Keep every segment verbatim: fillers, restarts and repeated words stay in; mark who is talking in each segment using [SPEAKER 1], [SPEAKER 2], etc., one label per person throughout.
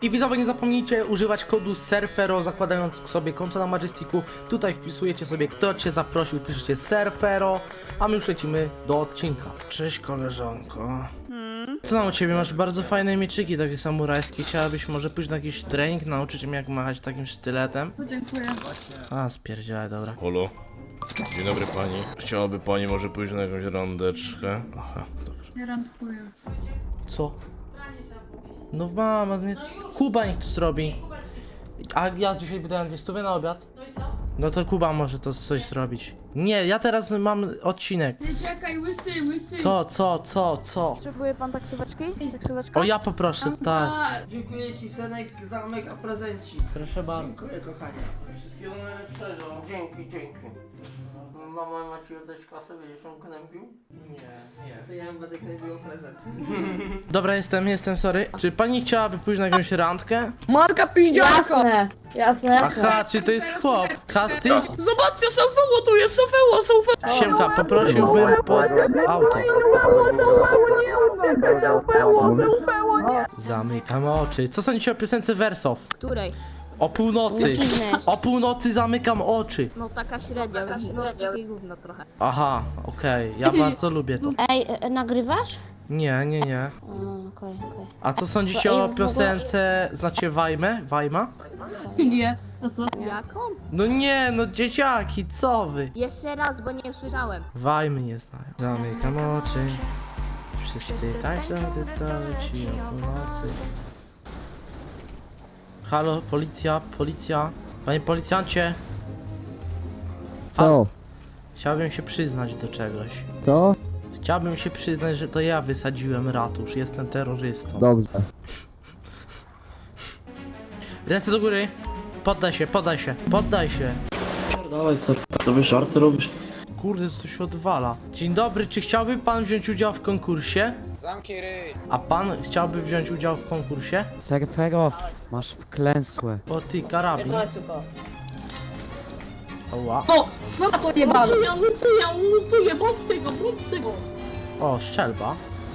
[SPEAKER 1] I widzowie, nie zapomnijcie używać kodu Surfero, zakładając sobie konto na Majesticu. Tutaj wpisujecie sobie, kto cię zaprosił, piszecie Surfero, a my już lecimy do odcinka. Cześć koleżanko. Co tam u ciebie? Masz bardzo fajne mieczyki, takie samurajskie. Chciałabyś może pójść na jakiś trening, nauczyć mnie jak machać takim sztyletem?
[SPEAKER 2] No, dziękuję.
[SPEAKER 1] A, spierdzielaj, dobra.
[SPEAKER 3] Halo? Dzień dobry pani. Chciałaby pani może pójść na jakąś randeczkę? Aha, dobrze.
[SPEAKER 2] Ja randkuję.
[SPEAKER 1] Co? No mama, nie... Kuba niech to zrobi. A ja dzisiaj wydałem dwie stówy na obiad.
[SPEAKER 4] No i co?
[SPEAKER 1] No to Kuba może to coś zrobić. Nie, ja teraz mam odcinek.
[SPEAKER 2] Nie czekaj, łysy, łysy.
[SPEAKER 1] Co, co, co, co?
[SPEAKER 4] Potrzebuje pan taksóweczki? Taksóweczka?
[SPEAKER 1] O, ja poproszę, tak.
[SPEAKER 2] Tak.
[SPEAKER 5] Dziękuję ci, Senek, za mega prezencik.
[SPEAKER 1] Proszę bardzo.
[SPEAKER 5] Dziękuję, kochanie.
[SPEAKER 1] Wszystkiego najlepszego.
[SPEAKER 5] Dzięki, dzięki. Mama ma ci oddać kasę, będziesz ją gnębił?
[SPEAKER 1] Nie, nie.
[SPEAKER 5] To ja ją będę gnębił prezent.
[SPEAKER 1] Dobra, jestem, jestem, sorry. Czy pani chciałaby pójść na jakąś randkę?
[SPEAKER 2] Marka piździarka.
[SPEAKER 4] Jasne, jasne, jasne.
[SPEAKER 1] Aha, czy to jest chłop? Casting?
[SPEAKER 2] Zobaczcie, Sofeło, tu jest Sofeło, Sofeło.
[SPEAKER 1] Siemka, poprosiłbym pod auto. Zamykam oczy. Co sądzicie o piosence Wersow?
[SPEAKER 4] Której?
[SPEAKER 1] O północy. O północy zamykam oczy.
[SPEAKER 4] No taka średnia, no takie gówno trochę.
[SPEAKER 1] Aha, okej, ja bardzo lubię to.
[SPEAKER 6] Ej, e, nagrywasz?
[SPEAKER 1] Nie, nie, nie.
[SPEAKER 6] O, okej, okej.
[SPEAKER 1] A co sądzicie o piosence, znacie Wajmę? Wajma?
[SPEAKER 2] Nie. A co?
[SPEAKER 4] Jaką?
[SPEAKER 1] No nie, no dzieciaki, co wy?
[SPEAKER 4] Jeszcze raz, bo nie słyszałem.
[SPEAKER 1] Wajmy nie znają. Zamykam oczy. Wszyscy tańczą, gdy to leci o północy. Halo, policja, policja. Panie policjancie.
[SPEAKER 7] Co?
[SPEAKER 1] Chciałbym się przyznać do czegoś.
[SPEAKER 7] Co?
[SPEAKER 1] Chciałbym się przyznać, że to ja wysadziłem ratusz. Jestem terrorystą.
[SPEAKER 7] Dobrze.
[SPEAKER 1] Ręce do góry. Poddaj się, poddaj się, poddaj się.
[SPEAKER 5] Dawaj, co wy żarty robisz?
[SPEAKER 1] Kurde, co się odwala. Dzień dobry, czy chciałby pan wziąć udział w konkursie?
[SPEAKER 8] Zamknij ryj!
[SPEAKER 1] A pan chciałby wziąć udział w konkursie?
[SPEAKER 7] Surfero, masz wklęsłe.
[SPEAKER 1] O ty, karabin. Oła.
[SPEAKER 2] No, no to nie ma. Ja lutuję, ja lutuję, bądź tego, bądź tego.
[SPEAKER 1] O, szczelba.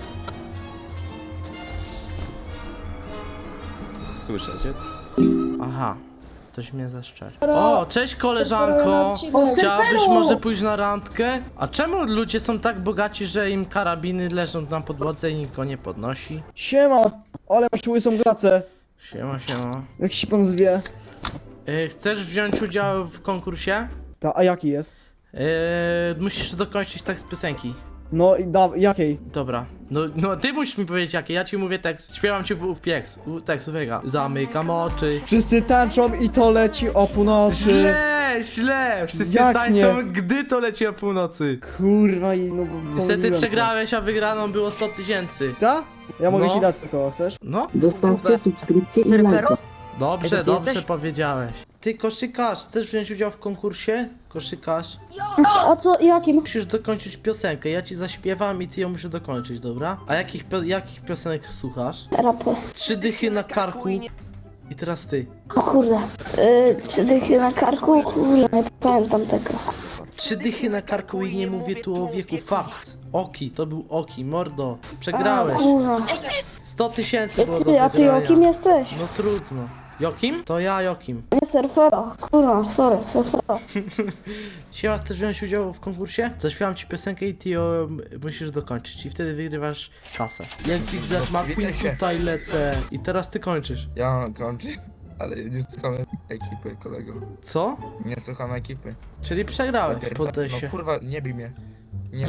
[SPEAKER 8] Słyszę cię?
[SPEAKER 1] Aha. Coś mnie zaszczeli. O, cześć koleżanko! Chciałabyś może pójść na randkę? A czemu ludzie są tak bogaci, że im karabiny leżą na podłodze i nikt go nie podnosi?
[SPEAKER 9] Siema, ale masz łysą glacę.
[SPEAKER 1] Siema, siema.
[SPEAKER 9] Jak się pan zwie?
[SPEAKER 1] Yy, chcesz wziąć udział w konkursie?
[SPEAKER 9] Ta, a jaki jest?
[SPEAKER 1] Yy, musisz dokończyć tekst piosenki.
[SPEAKER 9] No i da, jakiej?
[SPEAKER 1] Dobra. No, no ty musisz mi powiedzieć jakie, ja ci mówię tekst, śpiewam ci w, w pieks, w tekst, uwaga. Zamykam oczy.
[SPEAKER 9] Wszyscy tańczą i to leci o północy.
[SPEAKER 1] Źle, źle! Wszyscy
[SPEAKER 9] Jak
[SPEAKER 1] tańczą,
[SPEAKER 9] nie?
[SPEAKER 1] gdy to leci o północy.
[SPEAKER 9] Kurwa i no bo
[SPEAKER 1] Niestety
[SPEAKER 9] pomyliłem
[SPEAKER 1] przegrałeś, a wygraną było sto tysięcy.
[SPEAKER 9] to. Ta? Ja mogę
[SPEAKER 1] No.
[SPEAKER 9] ci dać tylko, chcesz?
[SPEAKER 1] No,
[SPEAKER 10] Zostawcie subskrypcję i lajka.
[SPEAKER 1] dobrze,
[SPEAKER 10] Ej, to ty
[SPEAKER 1] dobrze
[SPEAKER 10] jesteś?
[SPEAKER 1] powiedziałeś. Ty koszykarz, chcesz wziąć udział w konkursie? Koszykarz.
[SPEAKER 6] A co, jakim?
[SPEAKER 1] Musisz dokończyć piosenkę, ja ci zaśpiewam i ty ją musisz dokończyć, dobra? A jakich, pio jakich piosenek słuchasz?
[SPEAKER 6] Rapy.
[SPEAKER 1] Trzy dychy na karku. I teraz ty.
[SPEAKER 6] O kurde. Yy, trzy dychy na karku? Kurde, nie pamiętam tego.
[SPEAKER 1] Trzy dychy na karku i nie mówię tu o wieku, fakt. Oki, to był Oki, mordo. Przegrałeś.
[SPEAKER 6] Kurwa.
[SPEAKER 1] sto tysięcy było do
[SPEAKER 6] Ty, a ty
[SPEAKER 1] wygrania.
[SPEAKER 6] jakim jesteś?
[SPEAKER 1] No trudno. Jokim? To ja Jokim.
[SPEAKER 6] Nie surfero. Kurwa, sorry, surfero.
[SPEAKER 1] Siema, chcesz wziąć udział w konkursie? Zaśpiewam ci piosenkę i ty ją musisz dokończyć i wtedy wygrywasz kasę. Jak Zigzag McQueen tutaj lecę. I teraz ty kończysz.
[SPEAKER 8] Ja mam kończyć, ale nie słucham ekipy, kolego.
[SPEAKER 1] Co?
[SPEAKER 8] Nie słucham ekipy.
[SPEAKER 1] Czyli przegrałeś,
[SPEAKER 8] Najpierw-
[SPEAKER 1] poddaj się.
[SPEAKER 8] No kurwa, nie bij mnie. Nie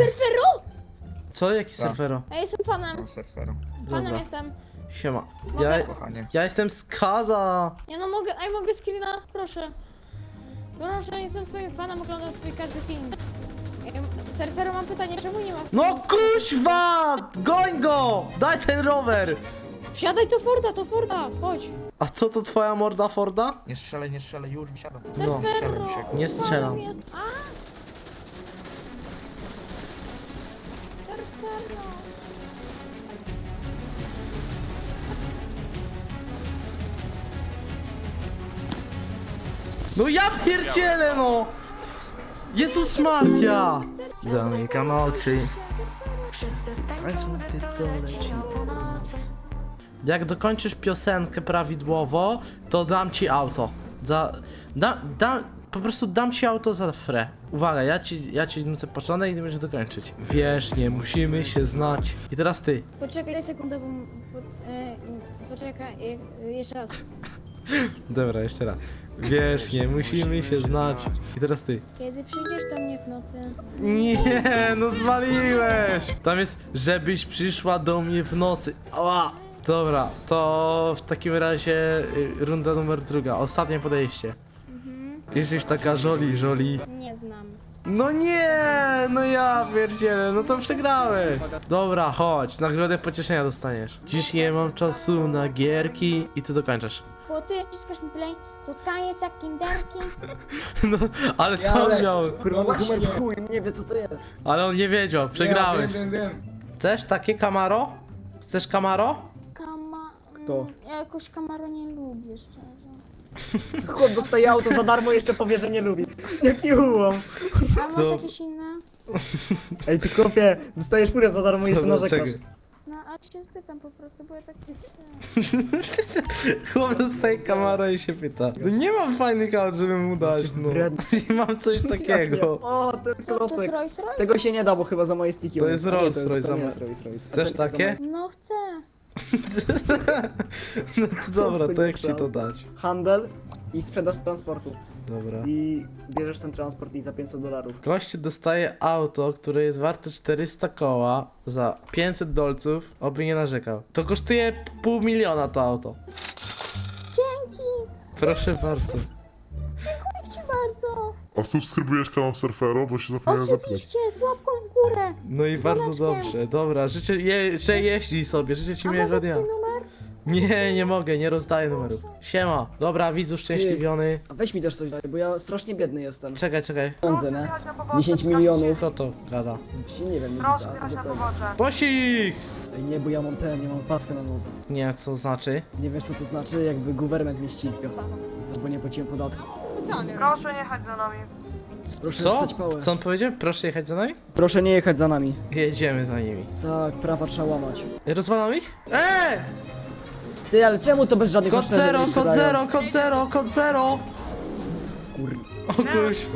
[SPEAKER 1] Co? Jaki
[SPEAKER 8] Tak.
[SPEAKER 1] surfero?
[SPEAKER 4] Ja jestem fanem,
[SPEAKER 8] mam surferą.
[SPEAKER 4] fanem
[SPEAKER 1] Dobra,
[SPEAKER 4] jestem.
[SPEAKER 1] siema.
[SPEAKER 4] Mogę?
[SPEAKER 1] Ja,
[SPEAKER 8] Kochanie.
[SPEAKER 1] ja jestem skaza.
[SPEAKER 4] Ja no mogę, ej mogę screena? Proszę. Proszę, jestem twoim fanem, oglądam twój każdy film. Ej, Surfero, mam pytanie, czemu nie ma...
[SPEAKER 1] No kuźwa! Goń go! Daj ten rower!
[SPEAKER 4] Wsiadaj do Forda, to Forda, chodź.
[SPEAKER 1] A co to twoja morda Forda?
[SPEAKER 8] Nie strzelaj, nie strzelaj, już wysiadam.
[SPEAKER 1] No.
[SPEAKER 8] Nie strzelaj
[SPEAKER 4] Surfero!
[SPEAKER 8] mi się.
[SPEAKER 1] Nie strzelam.
[SPEAKER 4] Jest... A! Surfero!
[SPEAKER 1] No ja pierdzielę no! Jezus Maria! Zamykam oczy. Jak dokończysz piosenkę prawidłowo, to dam ci auto. Za... Da, da, po prostu dam ci auto za frę. Uwaga, ja ci, ja ci nucę początek i ty będziesz dokończyć. Wiesz, nie musimy się znać. I teraz ty.
[SPEAKER 4] Poczekaj sekundę, bo... Po, e, poczekaj, e, jeszcze raz.
[SPEAKER 1] Dobra, jeszcze raz. Wiesz, nie musimy się znać. I teraz ty.
[SPEAKER 4] Kiedy przyjdziesz do mnie w nocy...
[SPEAKER 1] Nie, no zwaliłeś! Tam jest, żebyś przyszła do mnie w nocy. Ała! Dobra, to w takim razie y, runda numer druga, ostatnie podejście. Jesteś taka żoli, żoli.
[SPEAKER 4] Nie znam.
[SPEAKER 1] No nie, no ja pierdzielę, no to przegrałeś. Dobra, chodź, nagrodę pocieszenia dostaniesz. Dziś nie mam czasu na gierki i ty dokończasz.
[SPEAKER 4] Bo ty wciskasz mi play, co taje za kinderki.
[SPEAKER 1] No, ale to miał.
[SPEAKER 9] Kurwa, to jest numer w chuj, nie wie co to jest.
[SPEAKER 1] Ale on nie wiedział, przegrałeś.
[SPEAKER 8] Wiem, wiem, wiem.
[SPEAKER 1] Chcesz takie Camaro? Chcesz Camaro?
[SPEAKER 4] Kama...
[SPEAKER 9] Kto?
[SPEAKER 4] Ja jakoś Camaro nie lubię, szczerze.
[SPEAKER 9] Chłop dostaje auto za darmo, jeszcze powie, że nie lubi. Jaki ułom.
[SPEAKER 4] A masz
[SPEAKER 1] Co?
[SPEAKER 4] jakieś inne?
[SPEAKER 9] Ej, ty kopie, dostajesz furę za darmo i jeszcze
[SPEAKER 1] Dobra,
[SPEAKER 9] narzekasz.
[SPEAKER 1] czekaj.
[SPEAKER 4] No, a cię spytam po prostu, bo ja tak nie chciałam.
[SPEAKER 1] Chłop dostaje Camaro i się pyta. No nie mam fajnych aut, żeby mu dać, no. Nie mam coś takiego.
[SPEAKER 9] O, ten
[SPEAKER 4] Co, to jest
[SPEAKER 9] klocek.
[SPEAKER 4] Rolls Royce?
[SPEAKER 9] Tego się nie da, bo chyba za moje stiki.
[SPEAKER 1] To
[SPEAKER 9] on
[SPEAKER 1] jest
[SPEAKER 9] A nie,
[SPEAKER 1] Rolls
[SPEAKER 9] to jest-
[SPEAKER 1] Royce
[SPEAKER 9] to nie
[SPEAKER 1] za
[SPEAKER 9] jest Rolls Royce.
[SPEAKER 1] Też
[SPEAKER 9] To za
[SPEAKER 1] takie?
[SPEAKER 9] moje-
[SPEAKER 4] No chcę.
[SPEAKER 1] No to dobra, to jak ci to dać?
[SPEAKER 9] Handel i sprzedaż transportu.
[SPEAKER 1] Dobra.
[SPEAKER 9] I bierzesz ten transport i za pięćset dolarów.
[SPEAKER 1] Gościu dostaje auto, które jest warte czterysta koła za pięćset dolców, oby nie narzekał. To kosztuje pół miliona to auto.
[SPEAKER 4] Dzięki.
[SPEAKER 1] Proszę bardzo.
[SPEAKER 4] Dziękuję ci bardzo.
[SPEAKER 11] A subskrybujesz kanał Surfero, bo się zapomniałem zapytać.
[SPEAKER 4] Oczywiście, z łapką w górę.
[SPEAKER 1] No i bardzo
[SPEAKER 4] Słoneczkiem.
[SPEAKER 1] dobrze, dobra, życzę, je, że jeździ sobie, życzę ci
[SPEAKER 4] A
[SPEAKER 1] miłego
[SPEAKER 4] mogę
[SPEAKER 1] dnia.
[SPEAKER 4] twój numer?
[SPEAKER 1] Nie, nie mogę, nie rozdaję numerów. Siema, dobra, widzu szczęśliwiony.
[SPEAKER 9] A weź mi też coś daj, bo ja strasznie biedny jestem.
[SPEAKER 1] Czekaj, czekaj,
[SPEAKER 9] Pieniądze, nie? dziesięć milionów.
[SPEAKER 1] kto to gada?
[SPEAKER 9] Właśnie nie wiem, nie widzę, a co do tego?
[SPEAKER 1] Posik!
[SPEAKER 9] Ej, nie, bo ja mam ten, ja mam paskę na nodze.
[SPEAKER 1] Nie, co znaczy?
[SPEAKER 9] Nie wiesz co to znaczy? Jakby guwernement mnie ścigał. Za- Bo nie płaciłem podatku.
[SPEAKER 5] Proszę nie chodź za nami.
[SPEAKER 9] Proszę
[SPEAKER 1] Co?
[SPEAKER 9] ssać pałę.
[SPEAKER 1] Co on powiedział? Proszę jechać za nami?
[SPEAKER 9] Proszę nie jechać za nami.
[SPEAKER 1] Jedziemy za nimi.
[SPEAKER 9] Tak, prawa trzeba łamać.
[SPEAKER 1] Rozwalam ich? Eee!
[SPEAKER 9] Ty, ale czemu to bez żadnych
[SPEAKER 1] Kod
[SPEAKER 9] oszczędzeń
[SPEAKER 1] zero,
[SPEAKER 9] nie
[SPEAKER 1] kod
[SPEAKER 9] sprzedają?
[SPEAKER 1] zero, kod zero, kod zero!
[SPEAKER 9] Kur...
[SPEAKER 1] O kuźwa.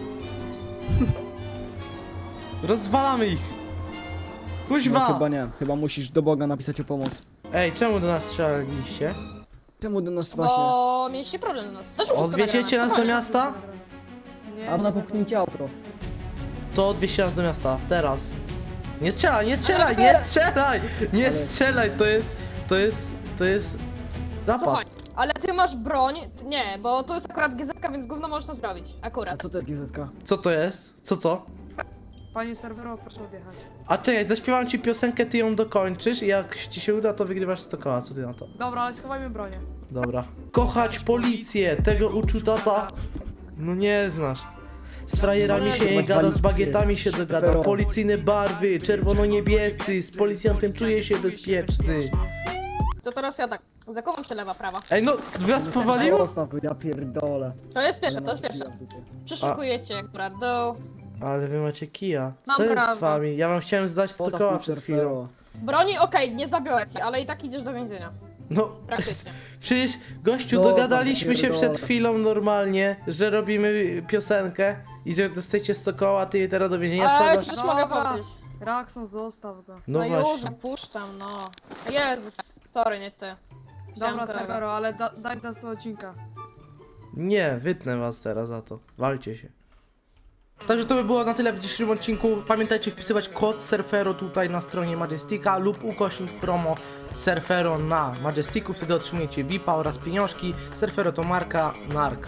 [SPEAKER 1] Rozwalamy ich!
[SPEAKER 9] No,
[SPEAKER 1] Kuźwa!
[SPEAKER 9] chyba nie, chyba musisz do Boga napisać o pomoc.
[SPEAKER 1] Ej, czemu do nas strzelaliście?
[SPEAKER 9] Czemu do nas właśnie?
[SPEAKER 2] Bo mieliście problem do nas. Też
[SPEAKER 1] Odwieziecie nas do miasta?
[SPEAKER 9] A na popchnięcie auto.
[SPEAKER 1] To odwieźcie nas do miasta, teraz. Nie strzelaj, nie strzelaj, nie strzelaj! Nie
[SPEAKER 9] Ale-
[SPEAKER 1] strzelaj, to jest, to jest, to jest
[SPEAKER 2] Słuchaj,
[SPEAKER 1] zapad.
[SPEAKER 2] ale ty masz broń. Nie, bo to jest akurat G Z K, więc gówno możesz to zrobić.
[SPEAKER 9] A
[SPEAKER 2] Akurat.
[SPEAKER 9] co to jest G Z K?
[SPEAKER 1] Co to jest? Co to?
[SPEAKER 5] Panie serwero, proszę odjechać.
[SPEAKER 1] A czekaj, zaśpiewam ci piosenkę, ty ją dokończysz i jak ci się uda, to wygrywasz sto koła, co ty na to?
[SPEAKER 5] Dobra, ale schowajmy bronię.
[SPEAKER 1] Dobra. Kochać policję, tego uczył tata. No nie znasz. Z frajerami się nie gada, z bagietami się dogada. Policyjne barwy, czerwono-niebiescy, z policjantem czuję się bezpieczny.
[SPEAKER 2] To teraz ja tak. Zakołam się lewa, prawa.
[SPEAKER 1] Ej no, was powaliło?
[SPEAKER 9] Zostaw, ja pierdolę.
[SPEAKER 2] To jest pierwsze,
[SPEAKER 9] Ale
[SPEAKER 2] to jest
[SPEAKER 9] mam
[SPEAKER 2] pierwsze.
[SPEAKER 9] kija w dupie.
[SPEAKER 2] Przeszukujecie akurat do...
[SPEAKER 1] Ale wy macie kija.
[SPEAKER 2] Mam
[SPEAKER 1] Co jest z
[SPEAKER 2] prawdę.
[SPEAKER 1] wami? Ja wam chciałem zdać sto
[SPEAKER 9] Zostaw
[SPEAKER 1] koła
[SPEAKER 9] mi
[SPEAKER 1] przed
[SPEAKER 9] surfero.
[SPEAKER 1] chwilą.
[SPEAKER 2] Broni okej, nie zabiorę ci, ale i tak idziesz do więzienia.
[SPEAKER 1] No,
[SPEAKER 2] Praktycznie.
[SPEAKER 1] przecież gościu,
[SPEAKER 9] Zostaw,
[SPEAKER 1] dogadaliśmy się
[SPEAKER 9] pierdolę.
[SPEAKER 1] przed chwilą normalnie, że robimy piosenkę i że dostajecie sto koła, a ty je teraz do więzienia
[SPEAKER 2] Ale ci
[SPEAKER 1] wsadzasz.
[SPEAKER 2] też mogę
[SPEAKER 5] Dobra.
[SPEAKER 2] powiedzieć.
[SPEAKER 5] Rakson, zostaw go.
[SPEAKER 1] No
[SPEAKER 2] No już,
[SPEAKER 1] właśnie.
[SPEAKER 2] puszczam, no. Jezus, sorry, nie ty. Wziąłem
[SPEAKER 5] Dobra,
[SPEAKER 2] kolegę.
[SPEAKER 5] serwero, ale da, daj nas do odcinka.
[SPEAKER 1] Nie, wytnę was teraz za to. Walcie się. Także to by było na tyle w dzisiejszym odcinku. Pamiętajcie wpisywać kod Surfero tutaj na stronie Majestika lub ukośnik promo Surfero na Majestiku. Wtedy otrzymujecie V I P-a oraz pieniążki. Surfero to marka Nark.